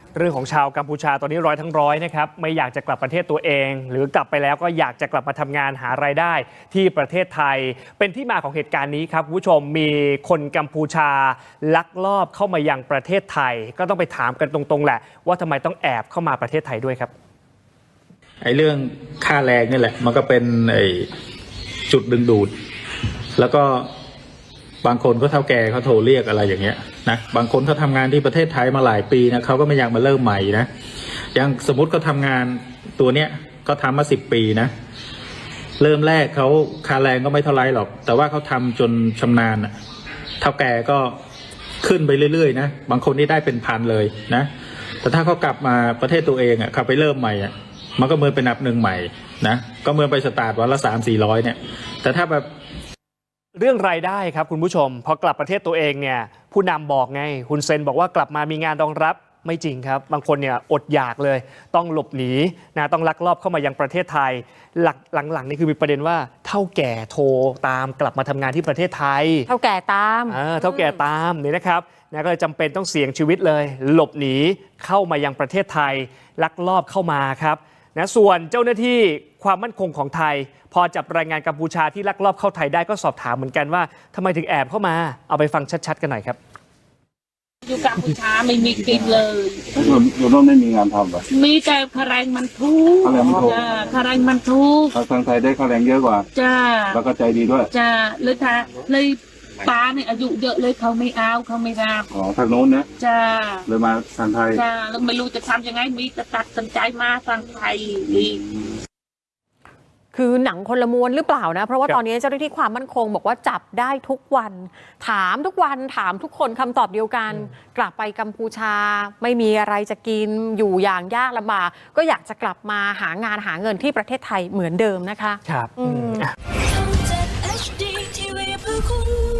เรื่องของชาวกัมพูชาตอนนี้ร้อยทั้งร้อยนะครับไม่อยากจะกลับประเทศตัวเอง หรือกลับไปแล้วก็อยากจะกลับมาทำงานหารายได้ที่ประเทศไทยเป็นที่มาของเหตุการณ์นี้ครับคุณผู้ชมมีคนกัมพูชาลักลอบเข้ามายังประเทศไทยก็ต้องไปถามกันตรงๆแหละว่าทำไมต้องแอบเข้ามาประเทศไทยด้วยครับไอ้เรื่องค่าแรงนี่แหละมันก็เป็นจุดดึงดูดแล้วก็บางคนก็เฒ่าแก่เขาโทรเรียกอะไรอย่างเงี้ยนะบางคนเขาทำงานที่ประเทศไทยมาหลายปีนะเขาก็ไม่อยากมาเริ่มใหม่นะอย่างสมมติเขาทำงานตัวเนี้ยก็ทำมา10 ปีนะเริ่มแรกเขาค่าแรงก็ไม่เท่าไรหรอกแต่ว่าเขาทำจนชำนาญอะเฒ่าแก่ก็ขึ้นไปเรื่อยๆนะบางคนนี่ได้เป็นพันเลยนะแต่ถ้าเขากลับมาประเทศตัวเองอ่ะเขาไปเริ่มใหม่อ่ะมันก็เหมือนเป็นนับหนึ่งใหม่นะก็เหมือนไปสตาร์ทวันละ300-400เนี่ยแต่ถ้าแบบเรื่องรายได้ครับคุณผู้ชมพอกลับประเทศตัวเองเนี่ยผู้นำบอกไงฮุนเซนบอกว่ากลับมามีงานรองรับไม่จริงครับบางคนเนี่ยอดอยากเลยต้องหลบหนีนะต้องลักลอบเข้ามายังประเทศไทยหลังๆนี่คือมีประเด็นว่าเฒ่าแก่โทรตามกลับมาทำงานที่ประเทศไทยเฒ่าแก่ตามเฒ่าแก่ตามนี่นะครับนะก็เลยจำเป็นต้องเสี่ยงชีวิตเลยหลบหนีเข้ามายังประเทศไทยลักลอบเข้ามาครับนะส่วนเจ้าหน้าที่ความมั่นคงของไทยพอจับแรงงานกัมพูชาที่ลักลอบเข้าไทยได้ก็สอบถามเหมือนกันว่าทำไมถึงแอบเข้ามาเอาไปฟังชัดๆกันหน่อยครับอยู่กัมพูชาไม่มีกินเลยอยู่โน่นไม่มีงานทำหรอมีแต่ค่าแรงมันถูกค่าแรงมันถูกทางไทยได้ค่าแรงเยอะกว่าจ้าแล้วก็ใจดีด้วยจ้าเลยป้าเนี่ยอายุเยอะเลยเขาไม่เอาเขาไม่รับทางโน้นนะจ้าเลยมาทางไทยจ้าแล้วไม่รู้จะทำยังไงมีแต่ตัดสินใจมาทางไทยดีคือหนังคนละม้วนหรือเปล่านะเพราะว่าตอนนี้เจ้าหน้าที่ความมั่นคงบอกว่าจับได้ทุกวันถามทุกวันถามทุกคนคำตอบเดียวกันกลับไปกัมพูชาไม่มีอะไรจะกินอยู่อย่างยากลำบากก็อยากจะกลับมาหางานหาเงินที่ประเทศไทยเหมือนเดิมนะคะครับ